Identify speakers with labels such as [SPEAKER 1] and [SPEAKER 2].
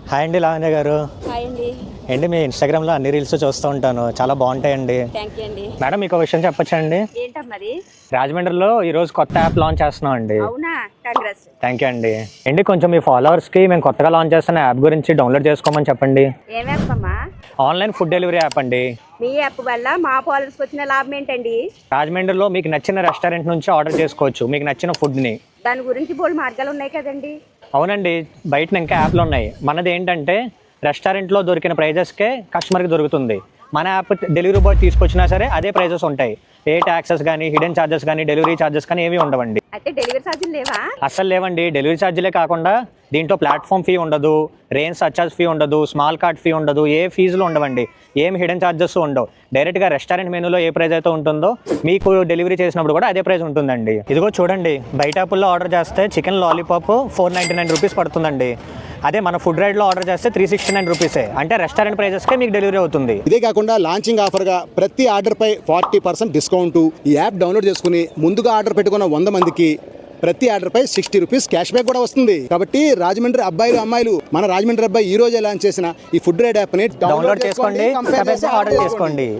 [SPEAKER 1] Hi అండి లావణ్య గారు.
[SPEAKER 2] Hi అండి.
[SPEAKER 1] ఏంటి మీ ఇన్స్టాగ్రామ్లో అన్ని రీల్స్ చూస్తూ ఉంటాను, చాలా బాగుంటాయండి.
[SPEAKER 2] థ్యాంక్ యూ అండి.
[SPEAKER 1] మేడం మీకు ఒక విషయం చెప్పొచ్చా అండి?
[SPEAKER 2] ఏంటమ్మది?
[SPEAKER 1] రాజమండ్రిలో ఈరోజు కొత్త యాప్ లాంచ్ చేస్తున్నాం అండి.
[SPEAKER 2] అవునా, కంగ్రాట్స్.
[SPEAKER 1] థ్యాంక్ యూ అండి. ఏంటి కొంచెం మీ ఫాలోవర్స్కి మేము కొత్తగా లాంచ్ చేస్తున్న యాప్ గురించి డౌన్లోడ్ చేసుకోమని చెప్పండి.
[SPEAKER 2] ఏం యాప్ అమ్మా?
[SPEAKER 1] ఆన్లైన్ ఫుడ్ డెలివరీ యాప్ అండి.
[SPEAKER 2] మీ యాప్ వల్ల మా ఫాలోవర్స్కి వచ్చిన లాభం ఏంటండి?
[SPEAKER 1] రాజమండ్రిలో మీకు నచ్చిన రెస్టారెంట్ నుంచి ఆర్డర్ చేసుకోవచ్చు మీకు నచ్చిన ఫుడ్ని.
[SPEAKER 2] దాని గురించి బోల్డ్ మార్గాలు ఉన్నాయి కదండి.
[SPEAKER 1] అవునండి, బయట ఇంకా యాప్లు ఉన్నాయి. మనది ఏంటంటే రెస్టారెంట్లో దొరికిన ప్రైజెస్కే కస్టమర్కి దొరుకుతుంది. మన యాప్ డెలివరీ బాయ్ తీసుకొచ్చినా సరే అదే ప్రైజెస్ ఉంటాయి. ఏ ట్యాక్సెస్ కానీ హిడెన్ ఛార్జెస్ కానీ డెలివరీ ఛార్జెస్ కానీ ఏవి ఉండవండి.
[SPEAKER 2] అయితే డెలివరీ ఛార్జీలు లేవా?
[SPEAKER 1] అస్సలు లేవండి. డెలివరీ ఛార్జీలే కాకుండా దీంట్లో ప్లాట్ఫామ్ ఫీ ఉండదు, రేంజ్ సర్చార్జ్ ఫీ ఉండదు, స్మాల్ కార్ట్ ఫీ ఉండదు, ఏ ఫీజులు ఉండవండి, ఏం హిడెన్ ఛార్జెస్ ఉండవు. డైరెక్ట్గా రెస్టారెంట్ మెనూలో ఏ ప్రైస్ అయితే ఉంటుందో మీకు డెలివరీ చేసినప్పుడు కూడా అదే ప్రైస్ ఉంటుందండి. ఇదిగో చూడండి, బయట యాప్లో ఆర్డర్ చేస్తే చికెన్ లాలీపాప్ 499 రూపీస్ పడుతుందండి. అదే మన ఫుడ్ రైడ్లో ఆర్డర్ చేస్తే 369 రూపీసే. అంటే రెస్టారెంట్ ప్రైజెస్కే మీకు డెలివరీ అవుతుంది.
[SPEAKER 3] ఇదే కాకుండా లాంచింగ్ ఆఫర్గా ప్రతి ఆర్డర్పై 40% డిస్కౌంట్. ఈ యాప్ డౌన్లోడ్ చేసుకుని ముందుగా ఆర్డర్ పెట్టుకున్న 100 మందికి ప్రతి ఆర్డర్పై 60 రూపీస్ క్యాష్ బ్యాక్ కూడా వస్తుంది. కాబట్టి రాజమండ్రి అబ్బాయిలు అమ్మాయిలు, మన రాజమండ్రి అబ్బాయి ఈ రోజే లాంచ్ చేసిన ఈ ఫుడ్ రైడ్ యాప్ని
[SPEAKER 1] డౌన్లోడ్ చేసుకోండి, ఆర్డర్ చేసుకోండి.